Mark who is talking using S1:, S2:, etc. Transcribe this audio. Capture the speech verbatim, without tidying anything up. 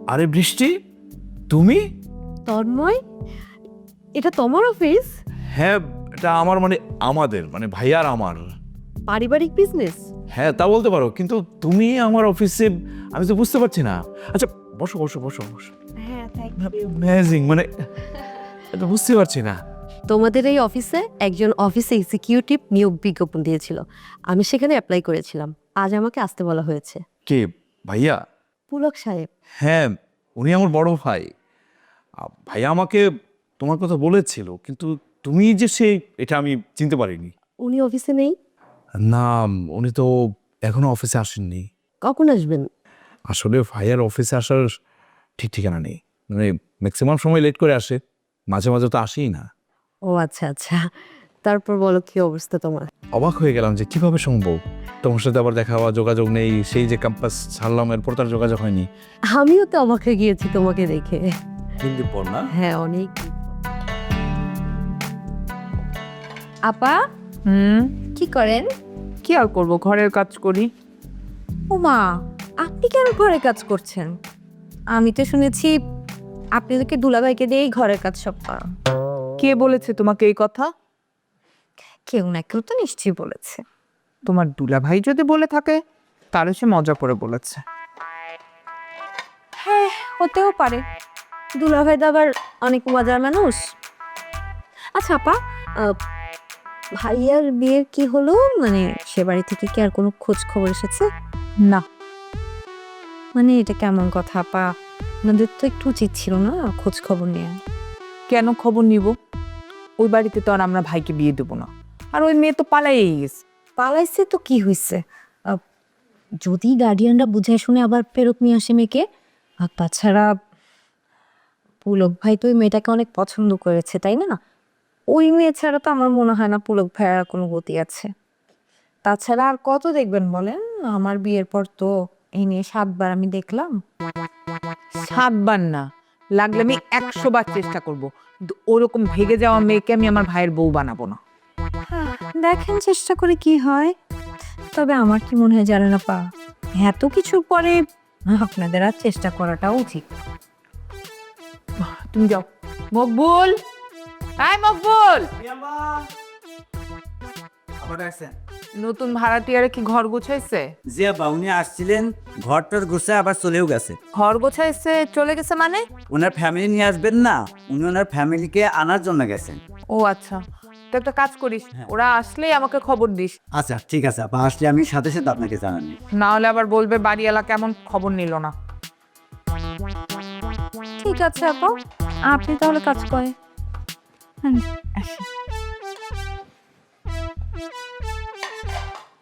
S1: আরে বৃষ্টি, তুমি?
S2: তন্ময়, এটা তোমার অফিস?
S1: হ্যাঁ, এটা আমার মানে আমাদের মানে ভাইয়ার আমার।
S2: পারিবারিক বিজনেস?
S1: হ্যাঁ, তা বলতে পারো, কিন্তু তুমি আমার অফিসে, আমি তো বুঝতে পারছি না। আচ্ছা বসো বসো বসো বসো।
S2: হ্যাঁ, থ্যাংক ইউ।
S1: অ্যামেজিং, মানে এটা বুঝতে পারছি না।
S2: তোমাদের এই অফিসে একজন অফিস এক্সিকিউটিভ নিয়োগ বিজ্ঞাপন দিয়েছিল, আমি সেখানে অ্যাপ্লাই করেছিলাম। আজ আমাকে আসতে বলা হয়েছে।
S1: কে? ভাইয়া?
S2: পুলক সাহেব।
S1: হ্যাঁ, উনি আমার বড় ভাই। আ, ভাইয়া আমাকে তোমার কথা বলেছিল, কিন্তু তুমি যে সে, এটা আমি চিনতে পারিনি।
S2: উনি অফিসে নেই?
S1: না, উনি তো এখনো অফিসে আসেননি।
S2: কখন আসবেন?
S1: আসলে ভাইয়ার অফিসে আসার ঠিক ঠিকানা নেই, মানে ম্যাক্সিমাম সময় লেট করে আসে, মাঝে মাঝে তো আসেই না।
S2: ও আচ্ছা আচ্ছা, তারপর বলো কি অবস্থা তোমার?
S1: অবাক হয়ে গেলাম যে কিভাবে সম্ভব, তোমার সাথে আবার দেখা হওয়া, যোগাযোগ নেই। সেই যে ক্যাম্পাস ছাড়লাম, এরপর তার যোগাযোগ হয়নি।
S2: আমিও তো অবাক হয়ে গিয়েছি তোমাকে দেখে।
S1: কিন্তু পর না।
S2: হ্যাঁ, অনেক।
S3: আপা,
S4: হুম,
S3: কি করেন?
S4: কি আর করবো, ঘরের কাজ করি।
S3: ও মা, আপনি কেন ঘরে কাজ করছেন? আমি তো শুনেছি আপনি তোকে দুলাভাইকে দিয়েই ঘরের কাজ সব করেন।
S4: কে বলেছে তোমাকে এই কথা?
S3: কেউ না কেউ তো নিশ্চয়ই বলেছে।
S4: তোমার দুলাভাই যদি বলে থাকে, তাহলে সে মজা করে বলেছে।
S3: হ্যাঁ, হতেও পারে। দুলাভাই তো আবার অনেক মজার মানুষ। আচ্ছা আপা, আহ, ভাইয়ার বিয়ের কি হলো? মানে সে বাড়ি থেকে কি আর কোনো খোঁজ খবর এসেছে?
S4: না।
S3: মানে এটা কেমন কথা আপা? আপনাদের তো একটু উচিত ছিল না খোঁজ খবর নেওয়া?
S4: কেন খবর নিব? ওই বাড়িতে তো আর আমরা ভাইকে বিয়ে দেবো না। আর ওই মেয়ে তো পালাইই গেছে।
S3: পালাইছে তো কি হয়েছে? আহ, যদি গার্ডিয়ানরা বুঝে শুনে আবার ফেরত নিয়ে আসে মেয়েকে। আর তাছাড়া পুলক ভাই তো ওই মেয়েটাকে অনেক পছন্দ করেছে, তাই না? ওই মেয়ে ছাড়া তো আমার মনে হয় না পুলক ভাইয়ের কোনো গতি আছে। তাছাড়া আর কত দেখবেন বলেন? আমার বিয়ের পর তো এই নিয়ে সাতবার আমি দেখলাম।
S4: সাতবার না, লাগলে আমি একশো বার চেষ্টা করবো, কিন্তু ওরকম ভেগে যাওয়া মেয়েকে আমি আমার ভাইয়ের বউ বানাবো না।
S3: দেখেন চেষ্টা করে কি হয়। তবে আমার কি মনে হয় জানেন আপা, এত কিছুর পরে আপনাদের আর চেষ্টা করাটাও উচিত।
S4: তুমি যাও। মকবুল, আয় মকবুল,
S5: আবার আসছেন?
S4: নতুন ভাড়াটিয়ারে কি ঘর গুছাইছে?
S5: জি আব্বা, উনি আসছিলেন, ঘরটার গুছায় আবার চলেও গেছে।
S4: ঘর গোছাইছে চলে গেছে মানে?
S5: ওনার ফ্যামিলি নিয়ে আসবেন না, উনি ওনার ফ্যামিলিকে আনার জন্য গেছেন।
S4: ও আচ্ছা, তো একটা কাজ করিস, ওরা আসলেই আমাকে খবর দিস।
S5: আচ্ছা ঠিক আছে আব্বা, আসলে আমি সাথে সাথে আপনাকে জানানি।
S4: না হলে আবার বলবে বাড়িওয়ালা কেমন খবর নিল না।
S3: ঠিক আছে আপা, আপনি তাহলে কাজ করেন। হুম, আসি।